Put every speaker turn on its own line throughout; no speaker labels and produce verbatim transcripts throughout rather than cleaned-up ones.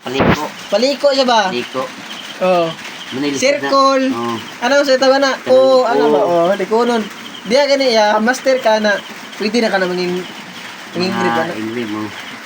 Paliko.
Paliko siya ba?
Paliko.
Oo.
Manilis
Circle.
na. Oo.
Ano sa tawa na? Oo, ano ba? Oo, likunon. Diya gani ya, master ka na. Pwede na ka na manging manging grip
Mga
ano.
ingrid mo.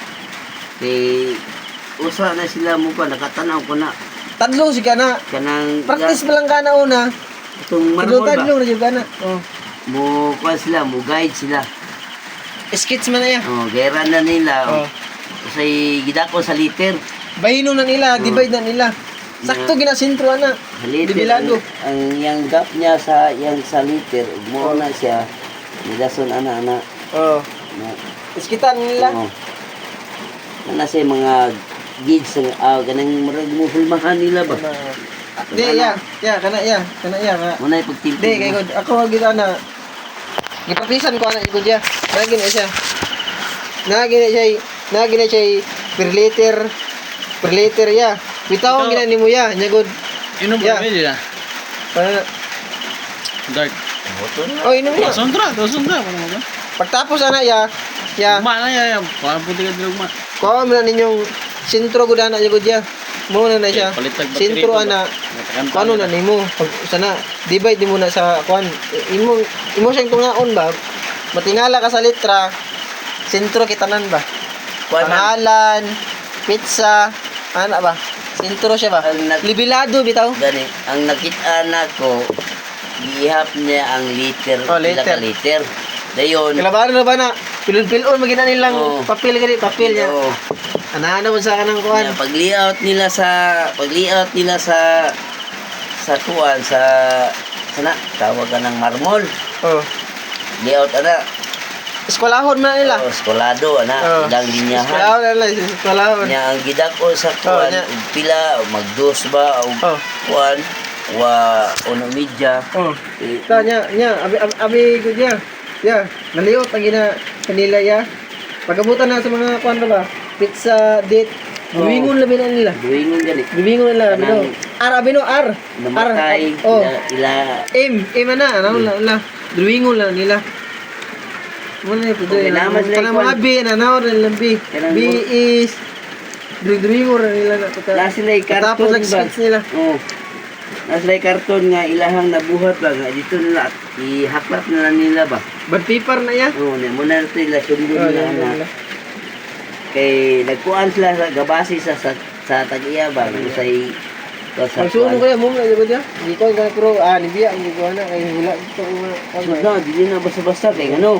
Kay usa na sila mo pa nakatanaw ko na
Tadlong si ka na.
kanang
Practice pa lang ka na una.
itong marmol ba.
Tadlong na jud ka na. Oh.
Mo kuan sila, mo guide sila.
Skits man na ya.
Oh, gera na nila.
Oh.
Oh. Usay gidako sa liter.
Bahino na nila,
Oh.
divide na nila. Sakto ginasintro ana.
Sa liter
Dibilado.
ang, ang yang gap niya sa yang sa liter, mo
Oh.
na siya. Nidason ana ana.
Oh.
Na,
Iskitan nila.
Oo. Ano sa mga gigs ng ah, ganang marag mo hulmahan nila ba?
Di ya, ya kana ya, kana ya. Nga.
Muna yung pagtimpi
Di kay gud ako nga gid ana. Gipracticean ko ana gud ya. Nagi na siya. Nagi na siya, nagi na siya per liter per liter ya. Bitaw
Ito-
gina nimo ya, nya gud.
Inom
Yeah.
ba nila?
Para
Dark.
oh inom na.
Sandra, to sandra pa naman ba?
Pagtapos ana ya, ya.
Uma na ya, parang puti ka dilugma.
Kuha mo na ninyong sintro gud ana gud ya. Mo na na siya.
Palitag battery
Sintro
pa ba?
ana.
Natakan
Kung ano na nimo, pag sana divide di mo na sa kuan. Imo imo siyang tungaon ba? Matingala ka sa litra. Sentro kitanan ba?
Kuan man.
Pangalan, pizza, ana ba? Sentro siya ba?
Ang nag-
Libilado bitaw.
Gani, ang nakita na ko, gihap niya ang liter,
Oh,
pila
liter.
ka liter. Dayon,
Kalabaran na ba na? Pilon-pilon magina nilang
Oo.
papel gani, papel niya.
oo.
Ana mo sa kanang kuan.
Nga, pag-layout nila sa pag-layout nila sa sa kuan sa sana tawag ka ng marmol.
Oh.
Layout ana.
Eskwelahon man nila.
Oh, eskolado ana,
Oh.
ilang linyahan.
Eskwelahon na nila, eskwelahon.
Nya ang gidako sa kuan
nya.
ug pila o magdos ba o
Oh.
kuan wa uno media.
Oh.
Eh,
Ta nya nya abi abi, abi gud ya. Ya, naliot ang gina kanila ya. Pagabutan na sa mga kuan ba? Pizza date.
Oh.
Duwingon labi na nila.
duingon gani.
Duwingon nila
Kanang-
bino. R abi no R.
Namatay
Oh.
ila, ila
M M na ano la la. Duwingon lang nila. Mo na pud
Okay,
ya.
naman sila
Kana
ikuan.
mga B na na or lang B.
Kanang
B
mo-
is duwingon ra nila na pagka.
na sila
Tapos
karton
lang
ba.
skits nila.
Oh. Na sila karton nga ilahang nabuhat ba nga dito nila at ihaklap na lang nila ba.
Bad paper na ya.
Oo, oh, muna na ito ila sundo
Oh,
nila
yan,
na.
nila.
Kay nagkuan sila sa gabasi sa sa, sa tag-iya ba kung say sa
Magsuno kaya mo na jud ya. Di ko ga pro ah ni biya ang gigawa na kay wala dito ko
Sud na, dili na basta-basta kay ano.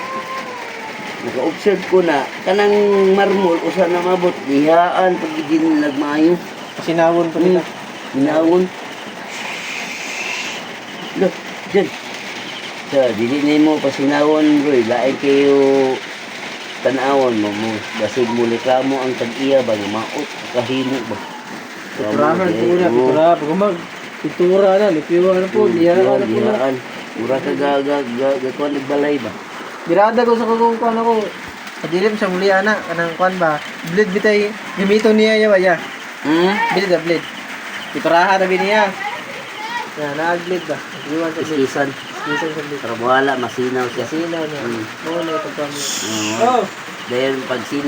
Naka-observe ko na kanang marmol usa na mabot dihaan pag di nila maayo.
sinawon pa nila.
Hinawon. Look, dyan. Sa, dili nimo pasinawon, bro. Lain kayo tanawon mo mo. Basig mo reklamo ang tag-iya ba? Maot, kahimo ba?
Piturahan
Tama,
po na,
eh,
pitura. Pag umag, pitura na, lipiwa na po,
oo.
diyan na po na.
Diyaan. Mura ka ga, ga, ga, ga, kuwan nagbalay ba?
Birada ko sa kung kuan ako. Kadilim sa muli ana, kanang kuan ba? Blade bitay, gimito niya ya ba ya?
Hmm?
Blade da blade. Piturahan na biniya. Ya, naag-blade ba? Iwan sa blade.
Iskisan.
Isan sa blade.
Para wala, masinaw siya.
Sinaw niya.
Hmm.
Oo na ito kami.
Oo.
Oh!
Dahil pag